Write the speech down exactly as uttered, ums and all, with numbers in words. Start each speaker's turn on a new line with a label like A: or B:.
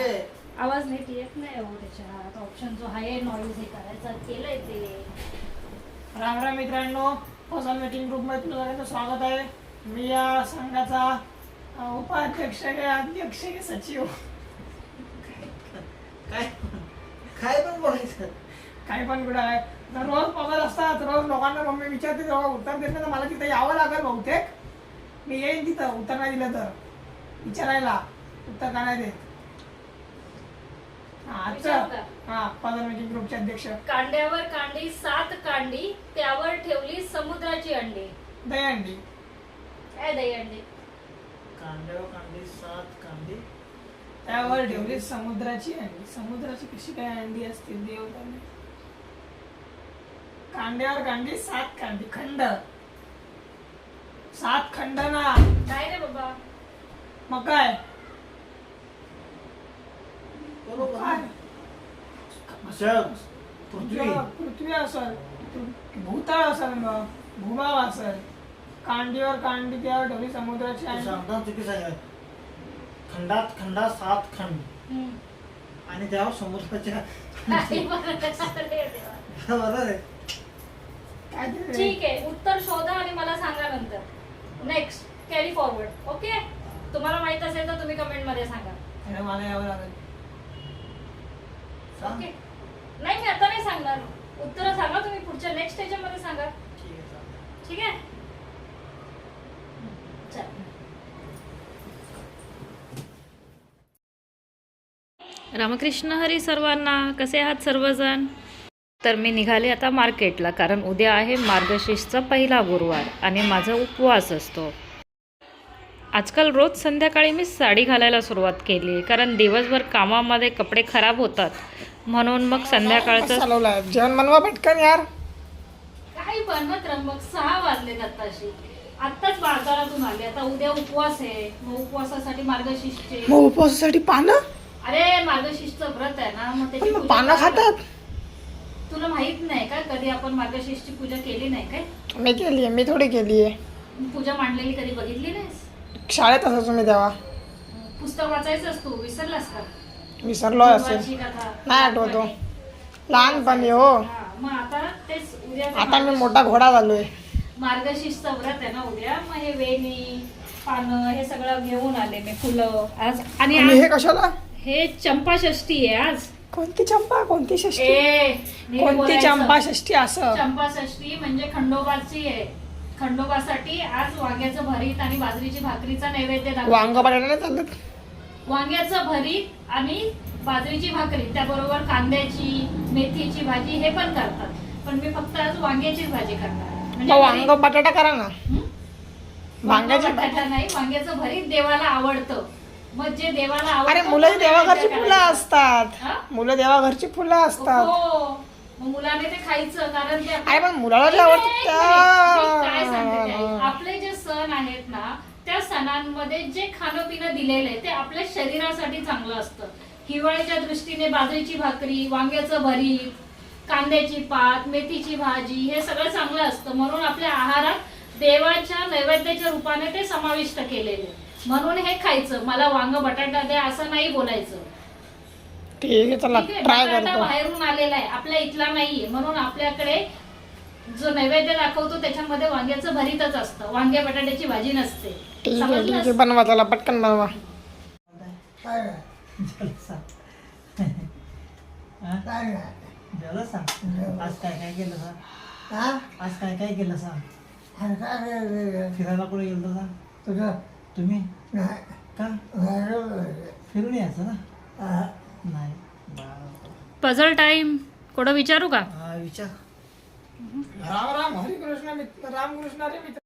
A: आवाज नीट येत नाही हो त्याच्यात. ऑप्शन जो आहे नॉईज हे करायचा केलंय ते.
B: राम राम मित्रांनो, पझल मीटिंग ग्रुपमध्ये तुमचं सगळ्यांचं स्वागत आहे. मी या संघाचा अ, उपाध्यक्ष आहे, अध्यक्ष आहे, सचिव.
C: काय काय पण बोलायचं.
B: काही पण कुठं आहे. तर रोज पगार असतात, रोज लोकांना मम्मी विचारते तेव्हा उत्तर देत नाही, तर मला तिथे यावं लागेल बहुतेक. मी येईन तिथं, उत्तर नाही दिलं तर विचारायला, उत्तर का नाही देत.
A: विचारू का?
B: हा पझल मीटिंग ग्रुपचे अध्यक्ष.
A: कांड्यावर कांडी सात कांडी, त्यावर ठेवली समुद्राची अंडी.
B: दहीहंडी.
A: काय दहीहंडी?
C: कांद्यावर कांदी सात कांदी,
B: त्यावर ठेवली समुद्राची अंडी. समुद्राची कशी काय अंडी असतील देव जाणे. कांड्यावर कांडी सात कांडी, खंड सात खंड ना.
A: काय रे बाबा?
B: मग काय
C: बरोबर
B: काय?
C: जग, पृथ्वी.
B: पृथ्वी असेल, भूतळ असेल, मग भूभाग असेल. कांडीवर कांडी त्यावर ठेवली समुद्राची
C: तू
B: अंडी.
C: सांगता चुकी सांग. खंडात खंडात सात खंड
A: हम्म.
C: आणि त्यावर समुद्राच्या
A: काय बोलत आहे रे देवा?
C: बरोबर आहे.
B: काय ते?
A: ठीक आहे, उत्तर शोधा आणि मला सांगा नंतर. Next, carry forward. ओके, तुम्हाला माहित असेल तर तुम्ही कमेंट मध्ये सांगा.
B: अरे मला यावं लागेल.
C: सांग.
A: ओके, नाही मी आता नाही सांगणार. उत्तर सांगा तुम्ही पुढच्या नेक्स्ट ह्याच्यामध्ये सांगा.
C: ठीक आहे, चालेल.
A: ठीक आहे, चल.
D: रामकृष्ण हरी सर्वांना. कसे आहात सर्वजण? तर मी निघाले आता मार्केटला, कारण उद्या आहे मार्गशीर्षचा पहिला गुरुवार आणि माझा उपवास असतो. आजकाल रोज संध्याकाळी मी साडी घालायला सुरुवात केली आहे, कारण दिवसभर कामामध्ये कपडे खराब होतात, म्हणून मग संध्याकाळचं
B: चालवलंय. जेवण बनवा पटकन यार.
A: काही बनवत रंबक. सहा वाजले आत्ताशी. आत्ताच बाजारातून आले. आता उद्या उपवास आहे, मग उपवासासाठी मार्गशीर्षचे.
B: मग उपवासासाठी पानं.
A: अरे मार्गशीर्षचं व्रत आहे ना, मग त्याची
B: मग
A: पूजा
B: पानं
A: करायला-
B: खातात.
A: तुला माहित नाही का कधी आपण मार्गशीर्षची पूजा केली नाही काय?
B: मी केली आहे, मी थोडी केली आहे.
A: पूजा मांडलेली कधी बघितली नाहीस?
B: शाळेत असं तुम्ही तेव्हा
A: पुस्तक वाचायचंच तू विसरलास का?
B: विसरलो असेल,
A: गुरुवारची कथा.
B: नाही आठवतो. लहानपणी हो.
A: हा, मग आता तेच उद्या ते
B: आता मी
A: मार्गशीर्ष-
B: मोठा घोडा झालोय.
A: मार्गशीर्षचं व्रत आहे ना उद्या, मग हे वेणी पानं हे सगळं घेऊन आले मी, फुलं आज. आणि
B: आणि
A: आज
B: हे कशाला?
A: हे चंपा षष्ठी आहे आज.
B: कोणती चंपा, कोणती षष्टी?
A: ए, नीट
B: कोणती
A: बोलायचं.
B: चंपा षष्टी? असं
A: चंपा षष्ठी म्हणजे खंडोबाची आहे. खंडोबासाठी आज वांग्याचं भरीत आणि बाजरीची भाकरीचा नैवेद्य दाखवतात.
B: वांग बटाटा नाही चालत.
A: वांग्याचं भरीत आणि बाजरीची भाकरी, त्याबरोबर कांद्याची मेथीची भाजी हे पण करतात, पण मी फक्त आज वांग्याचीच भाजी करणार. म्हणजे
B: मग वांग
A: भरीत-
B: बटाटा करा ना.
A: हं?
B: वांग्याची
A: वांगा बटाटा नाही, वांग्याचं भरीत देवाला आवडतं. मग जे देवाला आवडतं
B: अरे मुलं
A: ते
B: देवाघरची
A: नैवेद्य
B: फुलं
A: करायचं.
B: असतात.
A: हा?
B: मुलं देवाघरची फुलं असतात.
A: हो, मग मुलाने ते खायचं, कारण ते
B: अरे पण मुलाला जे
A: एक
B: आवडतं
A: मिनिट, मी काय सांगते ते
B: त्या
A: ऐक. आपले जे सण आहेत ना, त्या सणांमध्ये जे खाणं पिणं दिलेलं आहे ते आपल्या शरीरासाठी चांगलं असतं. हिवाळ्याच्या दृष्टीने बाजरीची भाकरी, वांग्याचं भरीत, कांद्याची पात, मेथीची भाजी हे सगळं चांगलं असतं, म्हणून आपल्या आहारात देवाच्या नैवेद्याच्या रूपाने ते समाविष्ट केलेले आहे. म्हणून हे खायचं. मला वांग बटाटा द्या असं नाही बोलायचं.
B: ठीक आहे, चला
A: ठीक आहे?
B: ट्राय
A: बटाटा
B: करतो.
A: बाहेरून आलेला आहे, आपल्या इथला नाहीये, म्हणून आपल्याकडे जो नैवेद्य दाखवतो त्याच्यामध्ये वांग्याचं भरीतच असतं, वांग्या बटाट्याची भाजी नसते.
B: ठीक आहे, ठीक आहे,
A: समजलंस?
B: बनवा, चला पटकन बनवा.
C: काय झालं सांग. हा? झालं सांग. आज काय काय केलं सांग. आज काय काय केलं सांग. फिरायला कुठे गेलं सांग. तुम्ही का फिरून यायचं ना. नाही
D: पझल टाइम. कोण विचारू का?
C: हा, विचार.
B: राम राम हरिकृष्ण मित्र, रामकृष्ण रे मित्र.